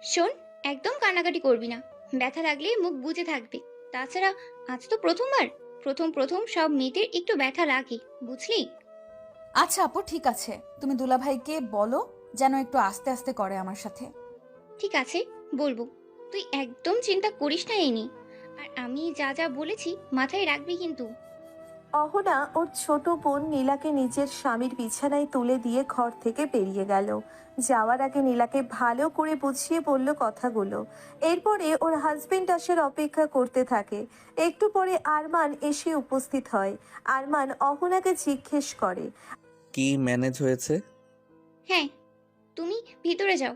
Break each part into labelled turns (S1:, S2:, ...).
S1: শোন, একদম কান্নাকাটি করবি না। ব্যথা লাগলে মুখ বুজে থাকবি। তাছাড়া আজ তো প্রথমবার। প্রথম প্রথম সব মেয়েদের একটু ব্যথা লাগে, বুঝলি?
S2: আচ্ছা আপু, ঠিক আছে, তুমি দুলাভাইকে বলো যেন একটু আস্তে আস্তে করে আমার সাথে।
S1: ঠিক আছে, বলবো। তুই একদম চিন্তা করিস না এই নিয়ে। আর আমি যা যা বলেছি মাথায় রাখবি কিন্তু।
S3: অহনা ওর ছোট বোন নীলাকে নিজের স্বামীর বিছানায় তুলে দিয়ে ঘর থেকে বেরিয়ে গেল। যাওয়ার আগে নীলাকে ভালো করে বুঝিয়ে বলল কথাগুলো। এরপরে ওর হাজবেন্ড আসার অপেক্ষা করতে থাকে। একটু পরে আরমান এসে উপস্থিত হয়। আরমান অহনাকে জিজ্ঞেস করে।
S4: কি ম্যানেজ হয়েছে?
S1: হ্যাঁ, তুমি ভিতরে যাও।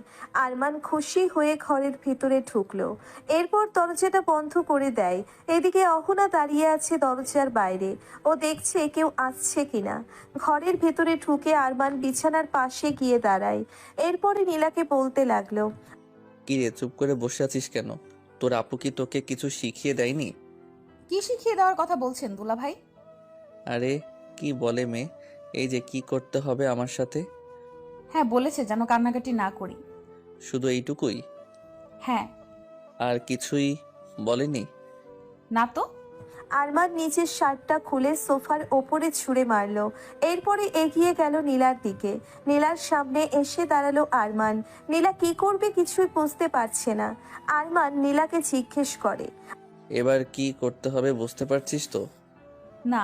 S3: আরমান খুশি হয়ে ঘরের ভিতরে ঢুকলো। এরপর দরজাটা বন্ধ করে দেয়। এদিকে অহনা দাঁড়িয়ে আছে দরজার বাইরে। ও দেখছে কেউ আসছে কিনা। ঘরের ভেতরে ঢুকে আরমান বিছানার পাশে গিয়ে দাঁড়ায়। এরপরে নীলাকে বলতে লাগলো।
S4: কি রে, চুপ করে বসে আছিস কেন? তোর আপু কি তোকে কিছু শিখিয়ে দেয়নি?
S2: কি শিখিয়ে দেওয়ার কথা বলছেন দুলাভাই?
S4: আরে কি বলে মেয়ে, এই যে কি করতে হবে আমার সাথে।
S2: হ্যাঁ, বলেছে যেন কান্নাকাটি না করি।
S4: শুধু এইটুকুই?
S2: হ্যাঁ।
S4: আর কিছুই বলেনি?
S2: না তো।
S3: আরমান নিচের শার্টটা খুলে সোফার ওপরে ছুঁড়ে মারলো। এরপরে এগিয়ে গেল নীলার দিকে। নীলার সামনে এসে দাঁড়ালো আরমান। নীলা কি করবে কিছুই বুঝতে পারছে না। আরমান নীলাকে জিজ্ঞেস করে।
S4: এবার কি করতে হবে বুঝতে পারছিস তো?
S2: না।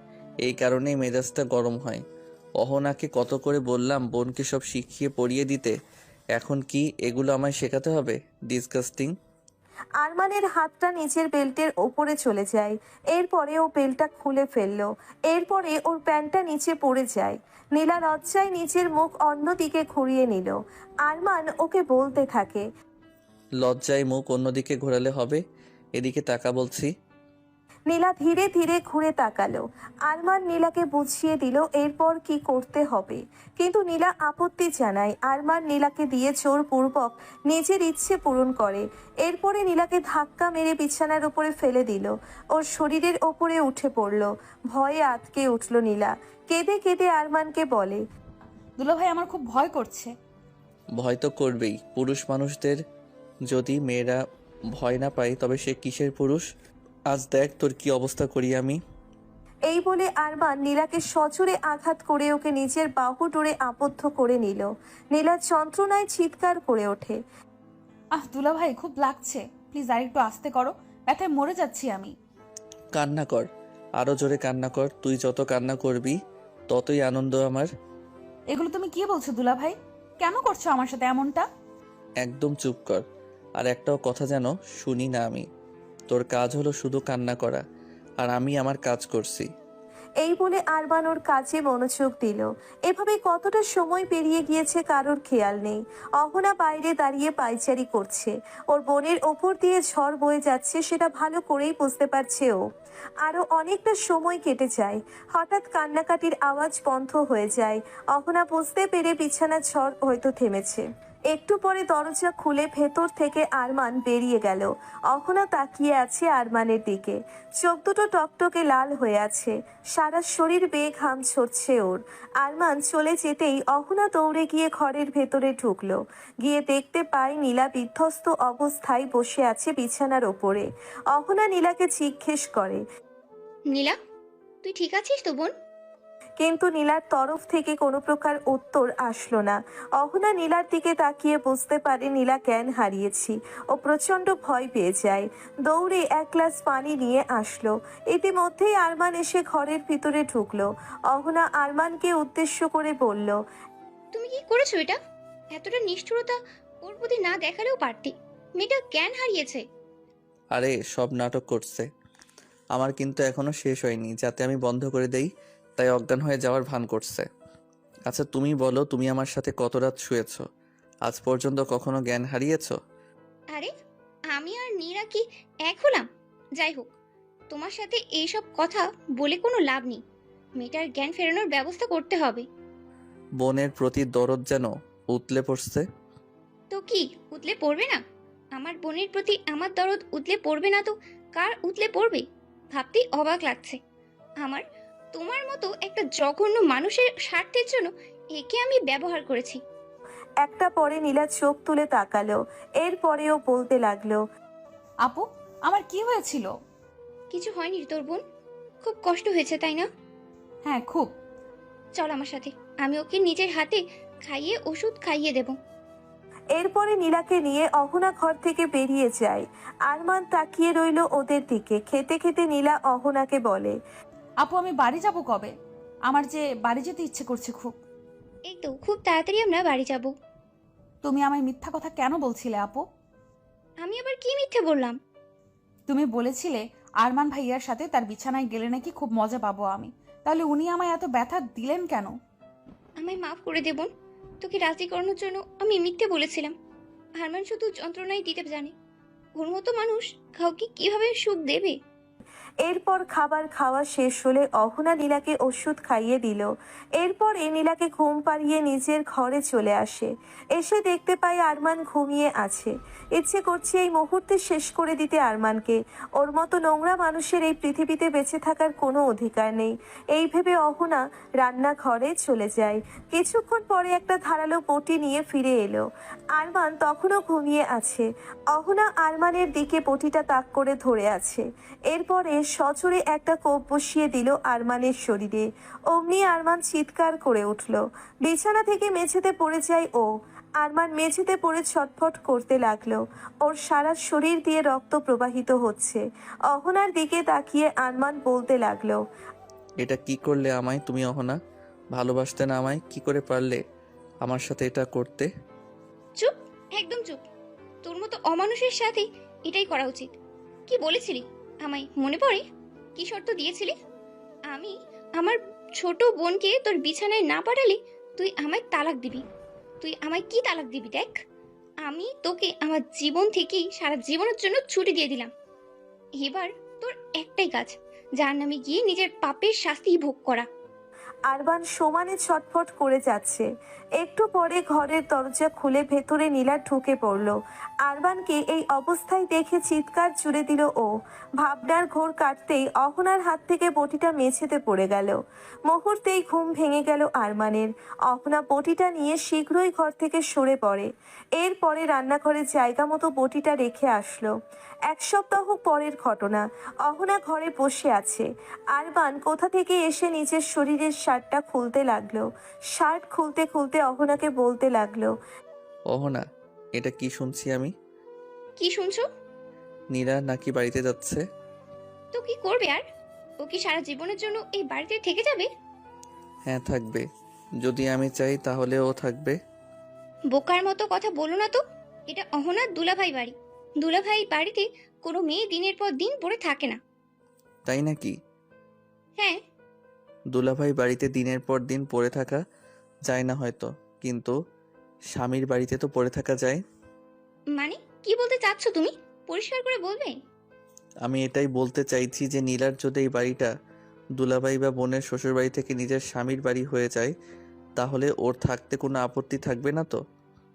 S4: এই কারণেই মেজাজটা গরম হয়। অহনাকে কত করে বললাম বোনকে সব শিখিয়ে পড়িয়ে দিতে, এখন কি এগুলো আমায় শেখাতে হবে? ডিসগাস্টিং।
S3: আরমানের হাতটা নিচের বেল্টের ওপরে চলে যায়। এরপরে ও বেল্টটা খুলে ফেললো। এরপরে ওর প্যান্টটা নিচে পড়ে যায়। নীলা লজ্জায় নিচের মুখ অন্যদিকে ঘুরিয়ে নিল। আরমান ওকে বলতে থাকে।
S4: লজ্জায় মুখ অন্যদিকে ঘোরালে হবে? এদিকে তাকা বলছি।
S3: নীলা ধীরে ধীরে ঘুরে তাকালো। আরমান নীলাকে বুঝিয়ে দিল এরপর কি করতে হবে। কিন্তু নীলা আপত্তি জানায়। আরমান নীলাকে দিয়ে জোরপূর্বক নিজের ইচ্ছে পূরণ করে। এরপরে নীলাকে ধাক্কা মেরে বিছানার উপরে ফেলে দিল। ওর শরীরের ওপরে উঠে পড়ল। ভয়ে আটকে উঠল নীলা। কেঁদে কেঁদে আরমানকে বলে।
S2: দুলাভাই, আমার খুব ভয় করছে।
S4: ভয় তো করবেই, পুরুষ মানুষদের। যদি মেয়েরা ভয় না পায় তবে সে কিসের পুরুষ? আজ দেখ তোর কি অবস্থা করি আমি।
S3: এই বলে আরমান নীলাকে সজোরে আঘাত করে ওকে নিজের বাহু ডোরে আবদ্ধ করে নিল। নীলা যন্ত্রণায় চিৎকার করে ওঠে।
S2: দুলাভাই, খুব লাগছে, প্লিজ আর একটু আস্তে করো, ব্যথায় মরে যাচ্ছি আমি।
S4: কান্না কর, আরো জোরে কান্না কর। তুই যত কান্না করবি ততই আনন্দ আমার।
S2: এগুলো তুমি কি বলছো দুলাভাই? কেন করছো আমার সাথে এমনটা?
S4: একদম চুপ কর, আর একটাও কথা যেন শুনি না আমি। তোর কাজ হলো শুধু কান্না করা, আর আমি আমার কাজ করছি।
S3: এই বলে আরমান ওর কাজে মনোযোগ দিল। এভাবে কতটা সময় পেরিয়ে গিয়েছে কারোর খেয়াল নেই। অহনা বাইরে দাঁড়িয়ে পায়চারি করছে। ওর বোনের ওপর দিয়ে ঝড় বয়ে যাচ্ছে সেটা ভালো করেই বুঝতে পারছে ও। আরো অনেকটা সময় কেটে যায়। হঠাৎ কান্নাকাটির আওয়াজ বন্ধ হয়ে যায়। অহনা বুঝতে পেরে বিছানার ঝড় হয়তো থেমেছে। একটু পরে দরজা খুলে ভেতর থেকে আরমান বেরিয়ে গেল। অহনা তাকিয়ে আছে আরমানের দিকে। চোখ দুটো টকটকে লাল হয়ে আছে। সারা শরীর বেয়ে ঘাম ঝরছে ওর। আরমান চলে যেতেই অহনা দৌড়ে গিয়ে ঘরের ভেতরে ঢুকলো। গিয়ে দেখতে পায় নীলা বিধ্বস্ত অবস্থায় বসে আছে বিছানার ওপরে। অহনা নীলাকে জিজ্ঞেস করে।
S1: নীলা, তুই ঠিক আছিস তো বোন?
S3: কিন্তু নীলার তরফ থেকে কোনো প্রকার উত্তর আসলো না। অহনা নীলার দিকে তাকিয়ে বুঝতে পারে নীলা জ্ঞান হারিয়েছি। ও প্রচন্ড ভয় পেয়ে যায়। দৌড়ে এক গ্লাস পানি নিয়ে আসলো। ইতিমধ্যেই আরমান এসে ঘরের ভিতরে ঢুকলো। অহনা আরমানকে উদ্দেশ্য করে বলল।
S1: তুমি কি করেছো এটা? এতটা নিষ্ঠুরতা ওর প্রতি না দেখালেও পারতি। মেয়েটা জ্ঞান হারিয়েছে।
S4: আরে সব নাটক করছে। আমার কিন্তু এখনো শেষ হয়নি, যাতে আমি বন্ধ করে দেই তাই অজ্ঞান হয়ে যাওয়ার ভান করছে। আচ্ছা তুমি বলো, তুমি আমার সাথে কত রাত শুয়েছো? আজ পর্যন্ত কখনো জ্ঞান হারিয়েছো?
S1: আরে, আমি আর নীরা কি এক হলাম? যাই হোক, তোমার সাথে এইসব কথা বলে কোনো লাভ নেই। মেয়েটার জ্ঞান ফেরানোর ব্যবস্থা করতে হবে।
S4: বোনের প্রতি দরদ যেন উতলে পড়ছে।
S1: তো কি উতলে পড়বে না? আমার বোনের প্রতি আমার দরদ উতলে পড়বে না তো কার উতলে পড়বে? ভাবতেই অবাক লাগছে। আমার তোমার মতো একটা জঘন্য মানুষের স্বার্থের জন্য একে আমি ব্যবহার করেছি।
S3: একটা পরে নীলা চোখ তুলে তাকালো। এরপরেও বলতে লাগলো,
S2: আপু, আমার কি হয়েছিল?
S1: কিছু হয়নি রে তোর বোন, খুব কষ্ট হয়েছে তাই না?
S2: হ্যাঁ, খুব।
S1: চল আমার সাথে, আমি ওকে নিজের হাতে খাইয়ে ওষুধ খাইয়ে দেব।
S3: এরপরে নীলাকে নিয়ে অহনা ঘর থেকে বেরিয়ে যায়। আরমান তাকিয়ে রইল ওদের দিকে। খেতে খেতে নীলা অহনাকে বলে,
S2: আপু, আমি বাড়ি যাব কবে? আমার যে বাড়ি যেতে ইচ্ছে করছে খুব।
S1: এই তো খুব তাড়াতাড়ি আমরা বাড়ি যাব।
S2: তুমি আমায় মিথ্যা কথা কেন বলছিলে আপু?
S1: আমি আবার কি মিথ্যে বললাম?
S2: তুমি বলেছিলে আরমান ভাইয়ার সাথে তার বিছানায় গেলে নাকি খুব মজা পাবো আমি। তাহলে উনি আমায় এত ব্যথা দিলেন কেন?
S1: আমায় মাফ করে দে বোন, তোকে রাজি করানোর জন্য আমি মিথ্যে বলেছিলাম। হারমান শুধু যন্ত্রণাই দিতে জানে, ওর মতো মানুষ কাউকে কিভাবে সুখ দেবে?
S3: এরপর খাবার খাওয়া শেষ হলে অহনা নীলাকে ওষুধ খাইয়ে দিল। এরপর নীলাকে ঘুম পাড়িয়ে নিজের ঘরে চলে আসে। এসে দেখতে পায় আরমান ঘুমিয়ে আছে। ইচ্ছে করছে এই মুহূর্তে শেষ করে দিতে আরমানকে। ওর মতো নোংরা মানুষের এই পৃথিবীতে বেঁচে থাকার কোনো অধিকার নেই। এই ভেবে অহনা রান্নাঘরে চলে যায়। কিছুক্ষণ পরে একটা ধারালো বটি নিয়ে ফিরে এলো। আরমান তখনও ঘুমিয়ে আছে। অহনা আরমানের দিকে বটিটা তাক করে ধরে আছে। এরপরে সজোরে একটা কোপ বসিয়ে দিল আরমানের শরীরে। অমনি আরমান চিৎকার করে উঠল। বিছানা থেকে মেঝেতে পড়ে যায় ও। আরমান মেঝেতে পড়ে ছটফট করতে লাগলো। ওর সারা শরীর দিয়ে রক্ত প্রবাহিত হচ্ছে। অহনার দিকে তাকিয়ে আরমান বলতে লাগলো,
S4: এটা কি করলে আমায় তুমি অহনা? ভালোবাসতে না আমায়? কি করে পারলে আমার সাথে এটা করতে?
S1: চুপ, একদম চুপ। তোর মতো অমানুষের সাথে এটাই করা উচিত। কি বলেছিলি আমায় মনে পড়ে? কি শর্ত দিয়েছিলি? আমি আমার ছোট বোনকে তোর বিছানায় না পাঠালে তুই আমায় তালাক দিবি। তুই আমায় কি তালাক দিবি দেখ। আমি তোকে আমার জীবন থেকেই সারা জীবনের জন্য ছুটি দিয়ে দিলাম। এবার তোর একটাই কাজ, যার নামে গিয়ে নিজের পাপের শাস্তি ভোগ করা।
S3: আরমান সমানে ছটফট করে যাচ্ছে। একটু পরে ঘরের দরজা খুলে ভেতরে নীলা ঢুকে পড়ল। আরমানকে এই অবস্থায় দেখে চিৎকার জুড়ে দিল ও। ভাবনার ঘোর কাটতেই অহনার হাত থেকে বটিটা মেঝেতে পড়ে গেল। মুহূর্তেই ঘুম ভেঙে গেল আরমানের। অহনা বটিটা নিয়ে শীঘ্রই ঘর থেকে সরে পড়ে। এরপরে রান্নাঘরে জায়গা মতো বটিটা রেখে আসলো। এক সপ্তাহ পরের ঘটনা। অহনা ঘরে বসে আছে। আরমান কোথা থেকে এসে নিজের শরীরের শার্টটা খুলতে লাগলো। শার্ট খুলতে খুলতে অহনাকে বলতে লাগলো,
S4: অহনা, এটা কি শুনছি আমি?
S1: কি শুনছো?
S4: নীরা নাকি বাড়িতে যাচ্ছে?
S1: তো কি করবে আর? ও কি সারা জীবনের জন্য এই বাড়িতে থেকে যাবে?
S4: হ্যাঁ, থাকবে। যদি আমি চাই তাহলে ও থাকবে।
S1: বোকার মতো কথা বলো না তো। এটা অহনার দুলাভাই বাড়ি। দুলাভাই বাড়িতে কোনো মেয়ে দিনের পর দিন পড়ে থাকে না।
S4: তাই নাকি?
S1: হ্যাঁ।
S4: দুলাভাই বাড়িতে দিনের পর দিন পড়ে থাকা যায় না হয়তো, কিন্তু স্বামীর বাড়িতে তো পড়ে থাকা যায়।
S1: মানে কি বলতে চাচ্ছ তুমি? পরিষ্কার করে বলবে?
S4: আমি এটাই বলতে চাইছি যে নীলার যদি এই বাড়িটা দুলাভাই বা বোনের শ্বশুর বাড়ি থেকে নিজের স্বামীর বাড়ি হয়ে যায়, তাহলে ওর থাকতে কোনো আপত্তি থাকবে না তো?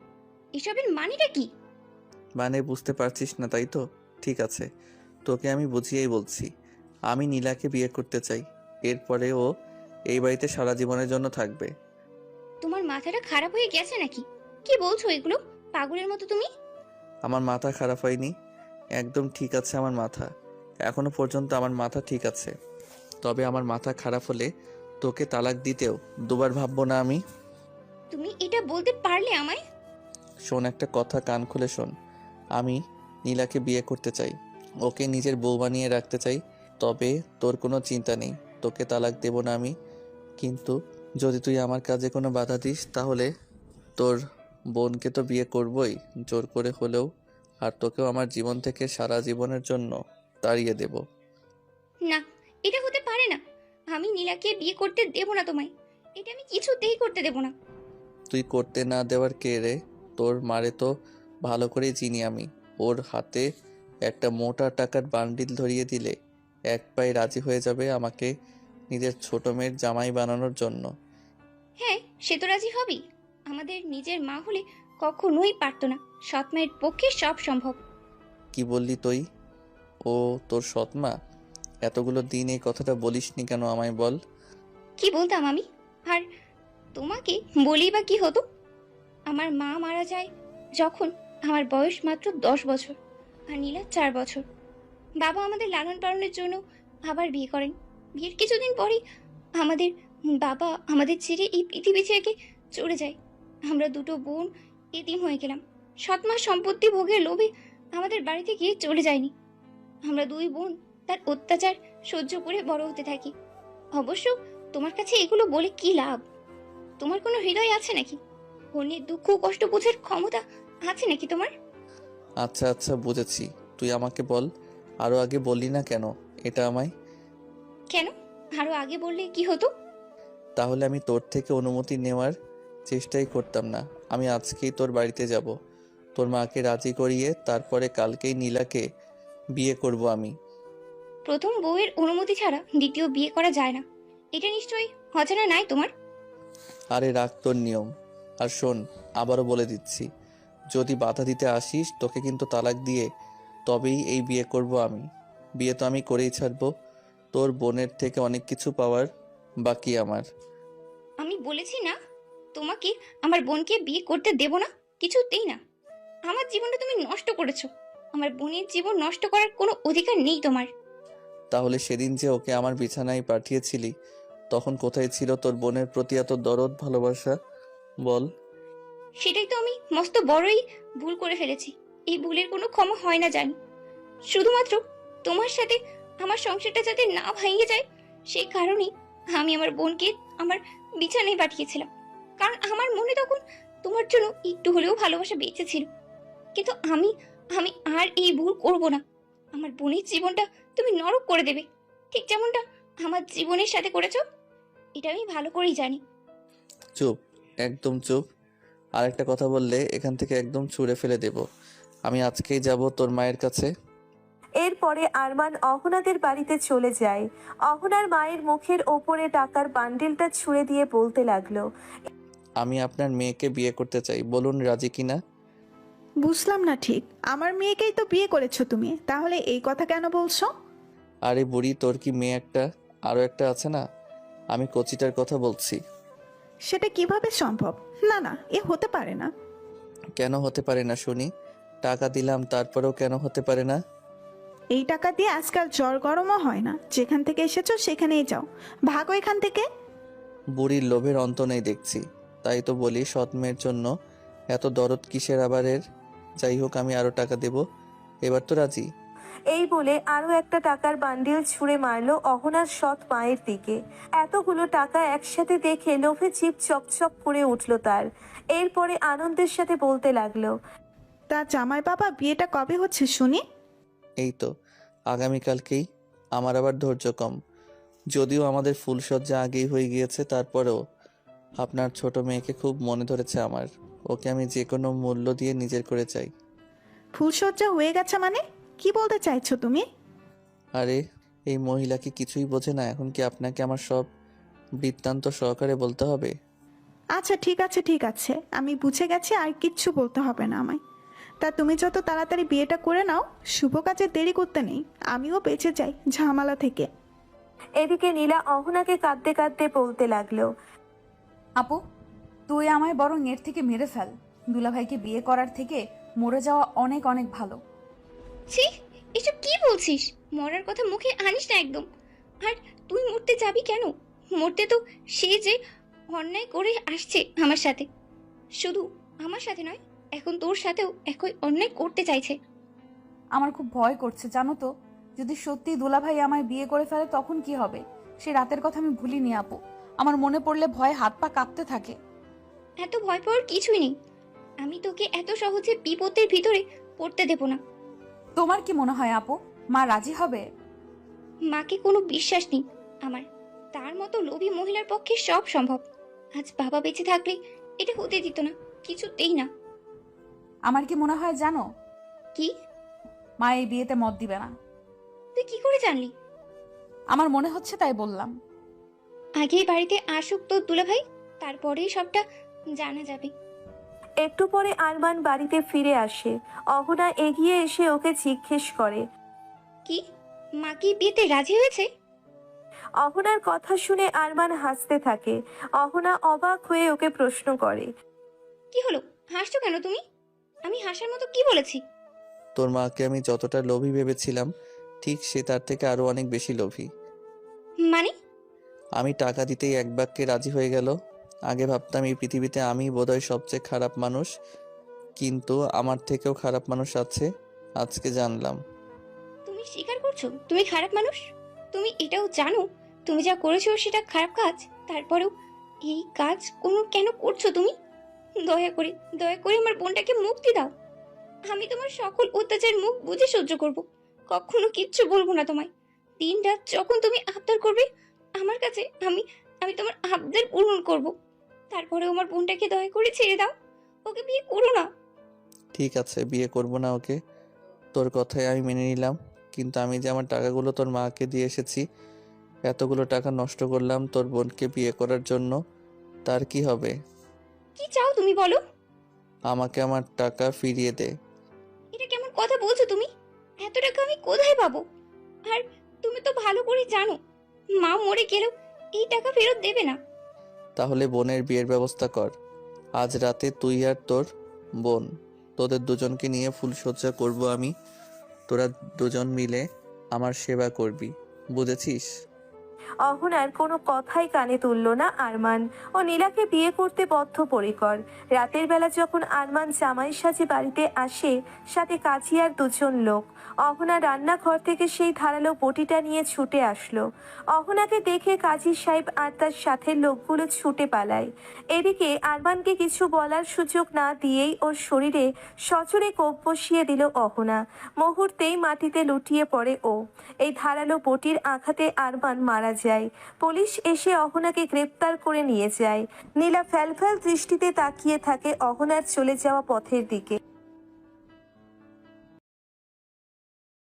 S1: এসবের মানেটা কি?
S4: মানে বুঝতে পারছিস না তাই তো? ঠিক আছে, তোকে আমি বুঝিয়েই বলছি। আমি নীলাকে বিয়ে করতে চাই। এরপরে ও এই বাড়িতে সারা জীবনের জন্য থাকবে।
S1: তোমার মাথাটা খারাপ হয়ে গেছে নাকি? কি বলছো এগুলো পাগলের মতো তুমি?
S4: আমার মাথা খারাপ হয়নি, একদম ঠিক আছে আমার মাথা। এখনো পর্যন্ত আমার মাথা ঠিক আছে। তবে আমার মাথা খারাপ হলে তোকে তালাক দিতেও দুবার ভাববো না আমি।
S1: তুমি এটা বলতে পারলে আমায়?
S4: শোন, একটা কথা কান খুলে শোন। আমি নীলাকে বিয়ে করতে চাই, ওকে নিজের বউ বানিয়ে রাখতে চাই। তবে তোর কোনো চিন্তা নেই, তোকে তালাক দেব না আমি। কিন্তু যদি তুই আমার কাজে কোনো বাধা দিস, তাহলে তোর বোনকে তো বিয়ে করবই জোর করে হলেও, আর তোকেও আমার জীবন থেকে সারা জীবনের জন্য তাড়িয়ে দেব।
S1: না, এটা হতে পারে না। আমি নীলাকে বিয়ে করতে দেব না তোমায়। এটা আমি কিছুতেই করতে দেব না।
S4: তুই করতে না দেওয়ার কে রে? তোর মারে তো ভালো করে চিনি আমি। ওর হাতে একটা মোটা টাকার বান্ডিল ধরিয়ে দিলে এক পায়ে রাজি হয়ে যাবে আমাকে নিজের ছোট মেয়ের জামাই বানানোর জন্য।
S1: হ্যাঁ, সে তো রাজি হবেই। আমাদের নিজের মা হলে কখনোই পারতো না। সৎ মায়ের পক্ষে সব সম্ভব।
S4: কি বললি তুই? ও তোর সৎমা? এতগুলো দিন এই কথাটা বলিসনি কেন আমায় বল।
S1: কি বলতাম আমি? আর তোমাকে বলি বা কি হতো? আমার মা মারা যায় যখন আমার বয়স মাত্র 10 বছর, আর নীলা 4 বছর। বাবা আমাদের লালন পালনের জন্য আবার বিয়ে করেন। বিয়ের কিছুদিন পরেই আমাদের বাবা আমাদের ছেড়ে এই পৃথিবী থেকে চলে যায়। আমরা দুটো বোন এতিম হয়ে গেলাম। 7 মাস সম্পত্তি ভোগের লোভে আমাদের বাড়িতে গিয়ে চলে যায়নি। আমরা দুই বোন তার অত্যাচার সহ্য করে বড় হতে থাকি। অবশ্য তোমার কাছে এগুলো বলে কি লাভ? তোমার কোনো হৃদয় আছে নাকি? অন্যের দুঃখ কষ্ট বোঝার ক্ষমতা আছে নাকি তোমার?
S4: আচ্ছা আচ্ছা, বুঝেছি। তুই আমাকে বল, আরো আগে বললি না কেন এটা আমায়?
S1: কেন? আরো আগে বললে কি হতো?
S4: তাহলে আমি তোর থেকে অনুমতি নেওয়ার চেষ্টাই করতাম না। আমি আজকেই তোর বাড়িতে যাব, তোর মাকে রাজি করিয়ে তারপরে কালকেই নীলাকে বিয়ে করব আমি।
S1: প্রথম বউয়ের অনুমতি ছাড়া দ্বিতীয় বিয়ে করা যায় না, এটা নিশ্চয়ই অজানা নাই তোমার।
S4: আরে রাখ তোর নিয়ম। আর শোন, আবারও বলে দিচ্ছি, যদি বাধা দিতে আসিস তোকে কিন্তু তালাক দিয়ে তবেই এই বিয়ে করব আমি। বিয়ে তো আমি করেই ছাড়বো। তোর বোনের থেকে অনেক কিছু পাওয়ার বাকি আমার।
S1: আমি বলেছি না তোমাকে আমার বোনকে বিয়ে করতে দেব না, কিছুতেই না। আমার জীবনটা তুমি নষ্ট করেছো। আমার বোনের জীবন নষ্ট করার কোনো অধিকার নেই তোমার।
S4: তাহলে সেদিন যে ওকে আমার বিছানায় পাঠিয়েছিলি, তখন কোথায় ছিল তোর বোনের প্রতি এত দরদ ভালোবাসা? বল।
S1: সেটাই তো আমি মস্ত বড়ই ভুল করে ফেলেছি। এই ভুলের কোনো ক্ষমা হয় না জানি। শুধুমাত্র তোমার সাথে আমার সংসারটা যাতে না ভেঙে যায় সেই কারণেই আমি আমার বোনকে আমার বিছানায় পাঠিয়েছিলাম। কারণ আমার মনে তখন তোমার জন্য একটু হলেও ভালোবাসা বেঁচে ছিল। কিন্তু আমি আমি আর এই ভুল করব না। আমার বোনের জীবনটা তুমি নরক করে দেবে, ঠিক যেমনটা আমার জীবনের সাথে করেছো। এটা আমি ভালো করেই জানি।
S4: চুপ, একদম চুপ। আর একটা কথা বললে এখান থেকে একদম ছুঁড়ে ফেলে দেব। আমি আজকেই যাব তোর মায়ের কাছে।
S3: এরপরে আরমান অহনাদের বাড়িতে চলে যায়। অহনার মায়ের মুখের ওপরে টাকার বান্ডিলটা ছুঁড়ে দিয়ে বলতে লাগলো,
S4: আমি আপনার মেয়েকে বিয়ে করতে চাই, বলুন রাজি কিনা।
S5: বুঝলাম না ঠিক। আমার মেয়েকেই তো বিয়ে করেছো তুমি, তাহলে এই কথা কেন বলছো?
S4: আরে বুড়ি, তোর কি মেয়ে একটা আরো একটা আছে না? আমি কচিটার কথা বলছি।
S5: সেটা কিভাবে সম্ভব? না না, এ হতে পারে না।
S4: কেন হতে পারে না শুনি? টাকা দিলাম তারপরেও কেন হতে পারে না?
S5: এই টাকা দিয়ে আজকাল জ্বর গরমও হয় না। যেখান থেকে এসেছো সেখানেই যাও, ভাগো এখান থেকে।
S4: বুড়ির লোভের অন্ত নেই দেখছি। তাই তো বলি, সৎ মেয়ের জন্য এত দরদ কিসের আবারের? যাই হোক, আমি আরো টাকা দেব। এবার তো রাজি?
S3: এই বলে আরো একটা টাকার বান্ডিল ছুঁড়ে মারলো অহনার সৎ মায়ের দিকে। এতগুলো টাকা একসাথে দেখে লোভে জিভ চকচক করে উঠলো তার। এরপরে আনন্দের সাথে বলতে লাগলো,
S5: তা জামাই বাবা, বিয়েটা কবে হচ্ছে শুনি?
S4: এই তো আগামীকালকেই। আমার আবার ধৈর্য কম। যদিও আমাদের ফুলসজ্জা আগেই হয়ে গিয়েছে, তারপরেও আপনার ছোট মেয়েকে খুব মনে ধরেছে আমার। ওকে আমি যে কোনো মূল্য দিয়ে নিজের করে চাই।
S5: ফুলসজ্জা হয়ে গেছে মানে? কি বলতে চাইছো তুমি?
S4: আরে, এই মহিলা কি কিছুই বোঝে না? এখন কি আপনাকে আমার সব বৃত্তান্ত সহকারে বলতে হবে?
S5: আচ্ছা ঠিক আছে ঠিক আছে, আমি বুঝে গেছি, আর কিচ্ছু বলতে হবে না আমায়। তা তুমি যত তাড়াতাড়ি বিয়েটা করে নাও, শুভ কাজে দেরি করতে নেই। আমিও বেঁচে যাই ঝামেলা থেকে।
S3: এদিকে নীলা অহনাকে কাঁদতে কাঁদতে বলতে লাগলো,
S2: আপু, তুই আমায় বরং এর থেকে মেরে ফেল। দুলাভাইকে বিয়ে করার থেকে মরে যাওয়া অনেক অনেক ভালো।
S1: ছি, এসব কি বলছিস? মরার কথা মুখে আনিস না একদম। আর তুই মরতে যাবি কেন? মরতে তো সে যে অন্যায় করে আসছে আমার সাথে। শুধু আমার সাথে নয়, এখন তোর সাথেও একই অন্যায় করতে চাইছে।
S2: আমার খুব ভয় করছে জানো তো। যদি সত্যি দুলাভাই আমায় বিয়ে করে ফেলে তখন কি হবে? সে রাতের কথা আমি ভুলিনি আপু। আমার মনে পড়লে ভয়ে হাত পা কাঁপতে থাকে।
S1: এত ভয় পাওয়ার কিছুই নেই। আমি তোকে এত সহজে বিপদের ভিতরে পড়তে দেব না।
S2: তোমার কি মনে হয় আপু, মা রাজি হবে?
S1: মাকে কোনো বিশ্বাস নেই আমার। তার মতো লোভী মহিলার পক্ষে সব সম্ভব। আজ বাবা বেঁচে থাকলে এটা হতে দিত না, কিছুতেই না।
S2: আমার কি মনে হয় জানো?
S1: কি?
S2: মা এই বিয়েতে মত দিবে না।
S1: তুই কি করে জানলি?
S2: আমার মনে হচ্ছে তাই বললাম।
S1: আগেই বাড়িতে আসুক তোর দুলাভাই, তারপরেই সবটা জানা যাবে।
S3: একটু পরে আরমান বাড়িতে ফিরে আসে। অহনা এগিয়ে এসে ওকে জিজ্ঞেস করে,
S1: কি, মা কি বিয়েতে রাজি হয়েছে?
S3: অহনার কথা শুনে আরমান হাসতে থাকে। অহনা অবাক হয়ে ওকে প্রশ্ন করে,
S1: কি হলো, হাসছো কেন তুমি? আমি হাসার মতো কি বলেছি?
S4: তোর মাকে আমি যতটা লোভী ভেবেছিলাম ঠিক সে তার থেকে আরো অনেক বেশি লোভী।
S1: মানে?
S4: আমি টাকা দিতেই এক বাক্যে রাজি হয়ে গেল। আগে ভাবতাম এই পৃথিবীতে আমি বোধহয় সবচেয়ে খারাপ মানুষ, কিন্তু আমার থেকেও খারাপ মানুষ আছে, আজকে জানলাম।
S1: তুমি স্বীকার করছো তুমি খারাপ মানুষ? তুমি এটাও জানো তুমি যা করেছো সেটা খারাপ কাজ? তারপরেও এই কাজ কেন করছো তুমি? দয়া করে আমার বোনটাকে মুক্তি দাও। আমি তোমার সকল অত্যাচার মুখ বুঝে সহ্য করব, কখনো কিচ্ছু বলবো না তোমায়। দিন রাত যখন তুমি আবদার করবে আমার কাছে, আমি আমি তোমার আবদার পূরণ করব। তারপরে আমার বোনটাকে দয়া করে ছেড়ে দাও, ওকে বিয়ে করো না।
S4: ঠিক আছে, বিয়ে করব না ওকে, তোর কথাই আমি মেনে নিলাম। কিন্তু আমি যে আমার টাকাগুলো তোর মাকে দিয়ে এসেছি, এতগুলো টাকা নষ্ট করলাম তোর বোনকে বিয়ে করার জন্য, তার কি হবে?
S1: কি চাও তুমি বলো?
S4: আমাকে আমার টাকা ফিরিয়ে দে।
S1: এটা কেমন কথা বলছো তুমি? এত টাকা আমি কোথায় পাবো? আর তুমি তো ভালো করে জানো মা মরে গেলেও এই টাকা ফেরত দেবে না।
S4: তাহলে বোনের বিয়ের ব্যবস্থা কর। আজ রাতে তুই আর তোর বোন, তোদের দুজনকে নিয়ে ফুলসজ্জা করব আমি। তোরা দুজন মিলে আমার সেবা করবি, বুঝেছিস?
S3: অহনার কোনো কথাই কানে তুলল না আরমান। ও নীলাকে বিয়ে করতে বদ্ধপরিকর। রাতের বেলা যখন আরমান জামাই সাজে বাড়িতে আসে, সাথে কাজী আর দুজন লোক, অহনা রান্নাঘর থেকে সেই ধারালো বটিটা নিয়ে ছুটে আসলো। অহনাকে দেখে কাজী সাহেব আর তার সাথে লোকগুলো ছুটে পালায়। এদিকে আরমানকে কিছু বলার সুযোগ না দিয়েই ওর শরীরে সজোরে কোপ বসিয়ে দিল অহনা। মুহূর্তেই মাটিতে লুটিয়ে পড়ে ও। এই ধারালো বটির আঘাতে আরমান মারা যায়। পুলিশ এসে অহনাকে গ্রেপ্তার করে নিয়ে যায়। নীলা ফ্যালফ্যাল দৃষ্টিতে তাকিয়ে থাকে অহনার চলে যাওয়া পথের দিকে।